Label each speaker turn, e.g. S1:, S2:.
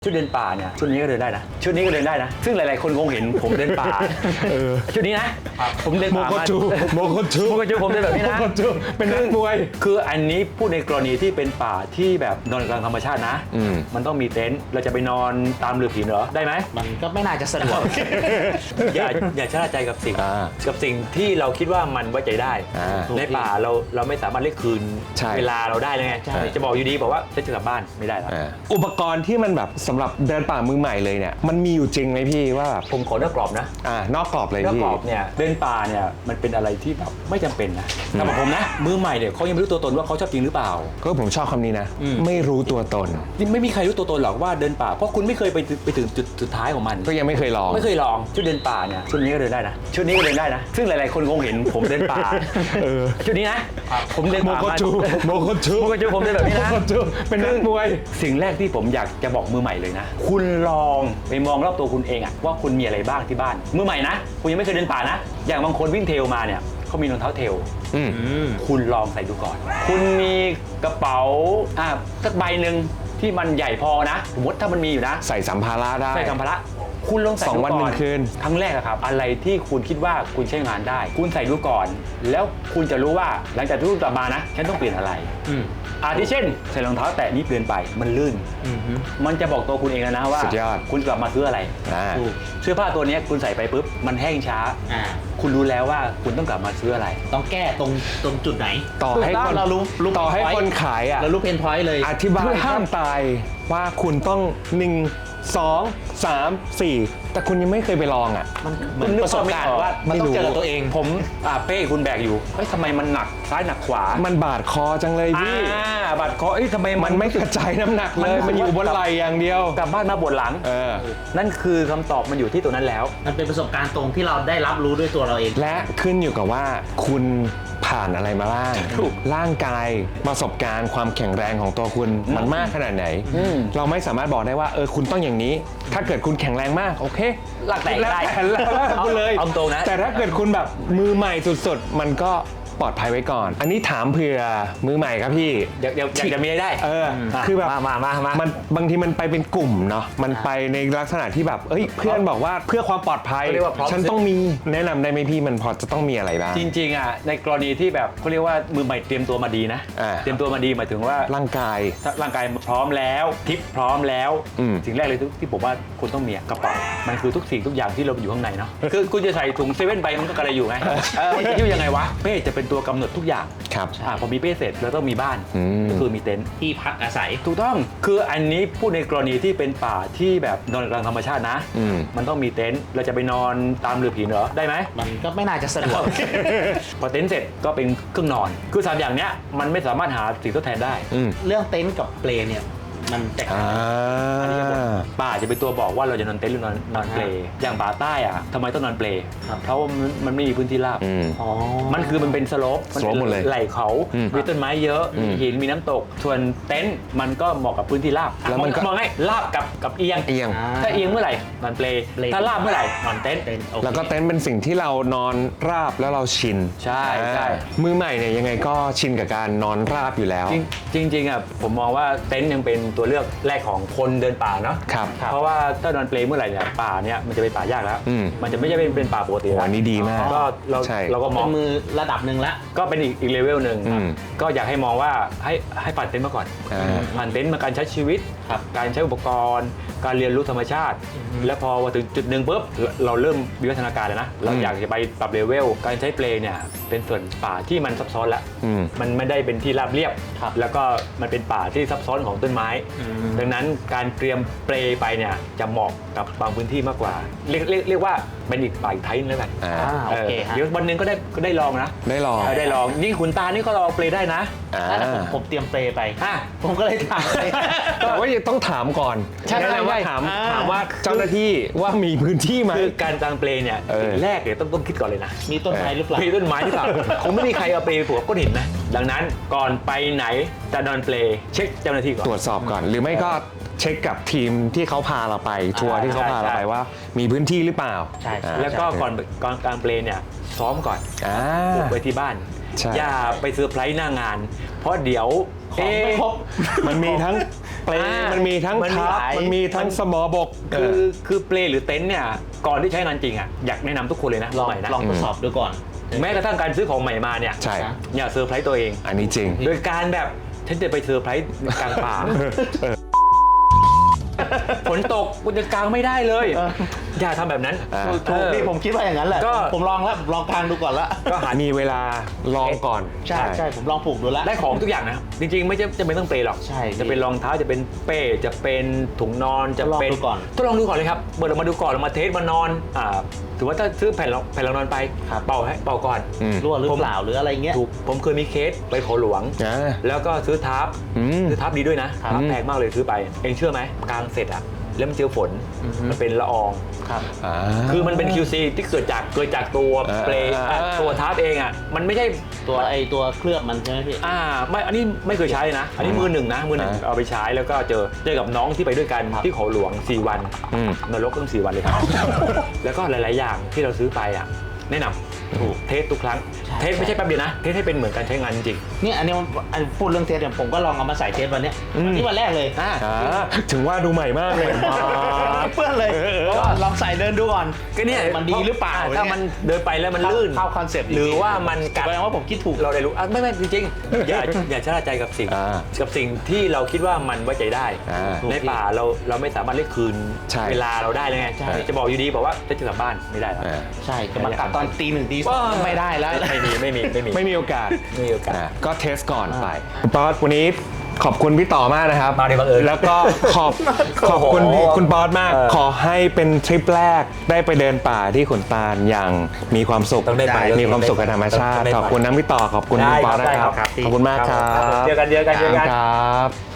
S1: ชุดเดินป่าเนี่ยชุดนี้ก็เดินได้นะชุดนี้ก็เดินได้นะซึ่งหลายๆคนคงเห็นผมเดินป่าชุดนี้นะผมเดินป่า
S2: โมโคจู
S1: ผมเดินแบบนี้นะ
S2: โมโคจูเป็นนักมวย
S1: คืออันนี้พูดในกรณีที่เป็นป่าที่แบบนอนกลางธรรมชาตินะมันต้องมีเต็นท์เราจะไปนอนตามเรือผีเหรอได้ไหม
S3: มันก็ไม่น่าจะสะดวก
S1: อย่าชะล่าใจกับสิ่งที่เราคิดว่ามันไว้ใจได้ในป่าเราไม่สามารถเรียกคืนเวลาเราได้เลยไงจะบอกอยู่ดีบอกว่าจะกลับบ้านไม่ได้แล้ว
S2: อุปกรณ์ที่มันแบบสำหรับเดินป่ามือใหม่เลยเนี่ยมันมีอยู่จริงไหมพี่ว่าแบบ
S1: ผมขอนอกกรอบนะ
S2: นอกกรอบเลยพี่
S1: นอกกรอบเนี่ยเดินป่าเนี่ยมันเป็นอะไรที่แบบไม่จำเป็นนะสำหรับผมนะมือใหม่เนี่ยเขายังไม่รู้ตัวตนว่าเขาชอบจริงหรือเปล่า
S2: ก็ผมชอบคำนี้นะไม่รู้ตัวตน
S1: ไม่มีใครรู้ตัวตนหรอกว่าเดินป่าเพราะคุณไม่เคยไปถึงจุดสุดท้ายของมัน
S2: ก็ยังไม่เคยลอง
S1: ชุดเดินป่าเนี่ยชุดนี้ก็เดินได้นะชุดนี้ก็เดินได้นะซึ่งหลายๆคนคงเห็นผมเดินป่าชุดนี้นะผมเดินป่า
S2: โมโคจู
S1: ผมเดินแบบนี้นะ
S2: เป็นนักมวย
S1: สิ่งแรกที่ผมอยากจะบอกมือใหม่เลยนะคุณลองไปมองรอบตัวคุณเองอะว่าคุณมีอะไรบ้างที่บ้านมือใหม่นะคุณยังไม่เคยเดินป่านะอย่างบางคนวิ่งเทรลมาเนี่ยเขามีรองเท้าเทรลคุณลองใส่ดูก่อนคุณมีกระเป๋าสักใบหนึ่งที่มันใหญ่พอนะสมมติถ้ามันมีอยู่นะ
S2: ใส่สัมภาระได้
S1: ใส่สัมภาระคุณลองใส่
S2: 2 วัน 1 คืน
S1: ครั้งแรกครับอะไรที่คุณคิดว่าคุณใช้งานได้คุณใส่ดูก่อนแล้วคุณจะรู้ว่าหลังจากที่คุณกลับมานะฉันต้องเปลี่ยนอะไรที่เช่นใส่รองเท้าแตะนี้เปลี่ยนไปมันลื่นมันจะบอกตัวคุณเองแล้วนะว่าคุณกลับมาซื้ออะไรเสื้อผ้าตัวนี้คุณใส่ไปปุ๊บมันแห้งช้าคุณรู้แล้วว่าคุณต้องกลับมาซื้ออะไร
S3: ต้องแก้ตรงจุดไหน
S2: ต่อให้คนขาย
S3: เรารู้เพนพอยต์เลย
S2: อธิบายห้ามตายว่าคุณต้อง1 2 3 4แต่คุณยังไม่เคยไปลอง
S3: มันประสบการณ์ว่ามันต้องเจอตัวเอง
S1: ผมเป้คุณแบกอยู่เฮ้ยทำไมมันหนักซ้ายหนักขวา
S2: มันบาดคอจังเลยพี่
S1: บาดคอทำไม
S2: มันไม่กระจายน้ำหนักเลยมันอยู่บนไหล่อย่างเดียว
S1: กลับบ้านมาปวดหลังนั่นคือคำตอบมันอยู่ที่ตัวนั้นแล้ว
S3: มันเป็นประสบการณ์ตรงที่เราได้รับรู้ด้วยตัวเราเอง
S2: และขึ้นอยู่กับว่าคุณผ่านอะไรมาบ้างร่างกายประสบการณ์ความแข็งแรงของตัวคุณมันมากขนาดไหนเราไม่สามารถบอกได้ว่าคุณต้องอย่างนี้ถ้าเกิดคุณแข็งแรงมากโอเค
S1: หลักแต่ได้
S2: คุณเลย
S1: เอาตรงนะ
S2: แต่ถ้าเกิดคุณแบบมือใหม่สุดๆมันก็ปลอดภัยไว้ก่อนอันนี้ถามเผื่อมือใหม่ครับพี่
S1: เดี๋ยวจะมีได้
S2: คือแบบมันบางทีมันไปเป็นกลุ่มเนาะมันไปในลักษณะที่แบบเพื่อนบอกว่าเพื่อความปลอดภัยฉันต้องมีแนะนำได้ไหมพี่มันพอจะต้องมีอะไรบ้าง
S1: จริงๆในกรณีที่แบบเขาเรียกว่ามือใหม่เตรียมตัวมาดีนะเตรียมตัวมาดีหมายถึงว่า
S2: ร่างกาย
S1: พร้อมแล้วทิปพร้อมแล้วสิ่งแรกเลยที่ผมว่าคุณต้องมีกระเป๋ามันคือทุกสิ่งทุกอย่างที่เราอยู่ข้างในเนาะคือคุณจะใส่ถุงเซเว่นไปมันก็กระไรอยู่ไงมันจะยุ่งยังไงวะเป้จะเป็นตัวกำหนดทุกอย่าง
S2: ครับ
S1: พอมีเป้เสร็จแล้วต้องมีบ้านก็คือมีเต็นท์
S3: ที่พักอาศัย
S1: ถูกต้องคืออันนี้พูดในกรณีที่เป็นป่าที่แบบนอนกลางธรรมชาตินะมันต้องมีเต็นท์เราจะไปนอนตามเรือผีเหรอได้ไหม
S3: มันก็ไม่น่าจะสะดวก
S1: พอเต็นท์เสร็จก็เป็นเครื่องนอนคือ3อย่างเนี้ยมันไม่สามารถหาสิ่งทดแทนได้
S3: เรื่องเต็นท์กับเปลเนี่ยมันแตกต่าง
S1: ป่าจะเป็นตัวบอกว่าเราจะนอนเต็นท์หรือนอนเปลอย่างป่าใต้ทำไมต้องนอนเปลเพราะว่ามันไม่มีพื้นที่ราบมันคือมันเป็นสโลป
S2: หมดเลย
S1: ไหล่เขามีต้นไม้เยอะหินมีน้ำตกส่วนเต็นท์มันก็เหมาะกับพื้นที่ราบแล้วมันมองให้ราบกับเอียงถ้าเอียงเมื่อไหร่นอนเปลถ้าราบเมื่อไหร่นอนเต็นท์
S2: แล้วก็เต็นท์เป็นสิ่งที่เรานอนราบแล้วเราชิน
S1: ใช่
S2: มือใหม่เนี่ยยังไงก็ชินกับการนอนราบอยู่แล้ว
S1: จริงผมมองว่าเต็นท์ยังเป็นตัวเลือกแรกของคนเดินป่าเนาะเพราะว่าถ้านอนเปลเมื่อไหร่เนี่ยป่าเนี่ยมันจะเป็นป่ายากแล้วมันจะไม่ใช่เป็นป่าปกติ
S2: อันนี้ดีมาก
S1: ก็เราก็มอง
S3: มือระดับหนึ่งแล้ว
S1: ก็เป็นอีกเลเวลหนึ่งก็อยากให้มองว่าให้ผ่านเต็นท์มาก่อนผ่านเต็นท์มาการใช้ชีวิตการใช้อุปกรณ์การเรียนรู้ธรรมชาติแล้วพอถึงจุดหนึ่งปุ๊บเราเริ่มวิวัฒนาการแล้วนะเราอยากจะไปปรับเลเวลการใช้เปลเนี่ยเป็นส่วนป่าที่มันซับซ้อนแล้วมันไม่ได้เป็นที่ราบเรียบแล้วก็มันเป็นป่าที่ซับซ้อนของต้นไม้ดังนั้นการเตรียมเปลไปเนี่ยจะเหมาะกับบางพื้นที่มากกว่าเรียกว่าเป็นอีกป่าอีกไทป์นึงแล้วกัน
S3: โอเค
S1: เดี๋ยววันนึงก็ได้ลองนะ
S2: ได้ล
S1: องนี่ขุนตานี่ก็ลองเปลได้นะ
S3: ถ้าผมเตรียมเปลไปผมก็เลยถาม
S2: แต่ว่าต้องถามก่อน
S1: ใช่
S2: ว่าถามว่าเจ้าหน้าที่ว่ามีพื้นที่ไหม
S1: คือการกางเปลเนี่ยแรกเนี่ยต้องคิดก่อนเลยนะ
S3: มีต้นไม้หรือเปล่า
S1: มีต้นไม้หรือเปล่าคงไม่มีใครเอาเปลผูกก้อนหินนะดังนั้นก่อนไปไหนจะนอนเปลเช็คเจ้าหน้าที่ก่อน
S2: ตรวจสอบก่อนหรือไม่ก็เช็คกับทีมที่เขาพาเราไปทัวร์ที่เขาพาเราไปว่ามีพื้นที่หรือเปล่า
S1: ใช่แล้วก็ก่อนกางเปลเนี่ยซ้อมก่อนปลูกไว้ที่บ้านอย่าไปเซอร์ไพรส์หน้างานเพราะเดี๋ยว
S3: ของไม่ครบ
S2: มันมีทั้งเปลมันมีทั้ง
S1: มันมี
S2: ทับ
S1: หลาย
S2: มันมีทั้งสมอบก
S1: คือเปลหรือเต็นท์เนี่ยก่อนที่ใช้งานจริงอ่ะอยากแนะนำทุกคนเลยนะ
S3: ลอง
S1: ใหม่นะ
S3: ลองทดสอบดูก่อน
S1: แม้กระทั่งการซื้อของใหม่มาเนี่ย
S2: ใช่
S1: อย่าเซอร์ไพรส์ตัวเอง
S2: อันนี้จริง
S1: โดยการแบบฉันจะไปเซอร์ไพรส์กลางป่าฝนตกคุณจะกางไม่ได้เลยอย่าทำแบบนั้น
S3: ถูกพี่ผมคิดว่าอย่างนั้นแหละ
S1: ก็
S3: ผมลองแล้วลองกางดูก่อนละ
S1: ก็หา
S2: มีเวลาลองก่อน
S3: ใช่ผมลองปลูกดูแล้ว
S1: ได้ของทุกอย่างนะจริงๆไม่จะเป็นต้องเปลหรอก
S3: ใช่
S1: จะเป็นรองเท้าจะเป็นเป้จะเป็นถุงนอนจะเป็น
S3: ทดลองดูก่อน
S1: ทดลองดูก่อนเลยครับเปิดออกมาดูก่อนเรามาเทสมานอนถือว่าถ้าซื้อแผ่นรองนอนไปเป่าก่อน
S3: รั่วหรือเปล่าหรืออะไรเงี้ย
S1: ถูกผมเคยมีเคสไปเขาหลวง แล้วก็ซื้อทับซื้อทับดีด้วยนะทับแพงมากเลยซื้อไปเองเชื่อไหมกลางเสร็จอะแล้วมันเจอฝนมันเป็นละออง
S3: ครับ
S1: คือมันเป็น QC ที่เกิดจากตัวเปลตัวทับเองอะมันไม่ใช่
S3: ตัวเคลือบมันใช่ไหมพี่
S1: ไม่อันนี้ไม่เคยใช้เลยนะ อันนี้มือหนึ่งเอาไปใช้แล้วก็เจอกับน้องที่ไปด้วยกันที่เขาหลวง4 วันนรกตั้ง4 วันเลยครับ แล้วก็หลายๆอย่างที่เราซื้อไปอ่ะแนะนำถูกเทสทุกครั้งเทสไม่ใช่แป๊บเดียวนะเทสให้เป็นเหมือนการใช้งานจริง
S3: เนี่ยอันนี้พูดเรื่องเทสเนี่ยผมก็ลองเอามาใส่เทสวันเนี้ยนี่วันแรกเลย
S2: ถึงว่าดูใหม่มากเลย
S3: เพื่อนเลยก็ลองใส่เดินดูก่อน
S1: ก็เนี่ย
S3: มันดีหรือเปล่า
S1: ถ้ามันเดินไปแล้วมันลื่น
S3: เข้าคอนเซปต์
S1: หรือว่ามันกัด
S3: แสดงว่าผมคิดถูก
S1: เราได้รู้ไม่จริงๆอย่าชะล่าใจกับสิ่งที่เราคิดว่ามันไว้ใจได้ ในป่าเราไม่สามารถเรียกคืน
S2: ใช่
S1: เวลาเราได้เลยไง
S3: ใช่
S1: จะบอกอยู่ดีบอกว่าจะกลับบ้านไม่ได้แล้ว
S3: ใช่จะมากัดตอนตี 1 ตี 2ไม่ได้แล้ว
S2: ไม่มีโอกาส
S1: ไม่มีโอกาส
S2: ก็เทสก่อนไปคุณป๊อตวันนี้ขอบคุณพี่ต่อมากนะครับ
S1: มาในบังเอิญ
S2: แล้วก็ขอบคุณ
S1: โอ้โห
S2: คุณป๊อตมาก ขอให้เป็นทริปแรกได้ไปเดินป่าที่ขุนตาลอย่างมีความสุข
S1: ต้องได้ไป
S2: มีความสุขกับธรรมชาติ
S1: ต้องได้ไป
S2: ขอบคุณน้ำพี่ต่อขอบคุณคุณป๊อตนะครับ
S1: ได้ครับ
S2: ขอบคุณมากครับ
S1: เจอกัน
S2: ครับ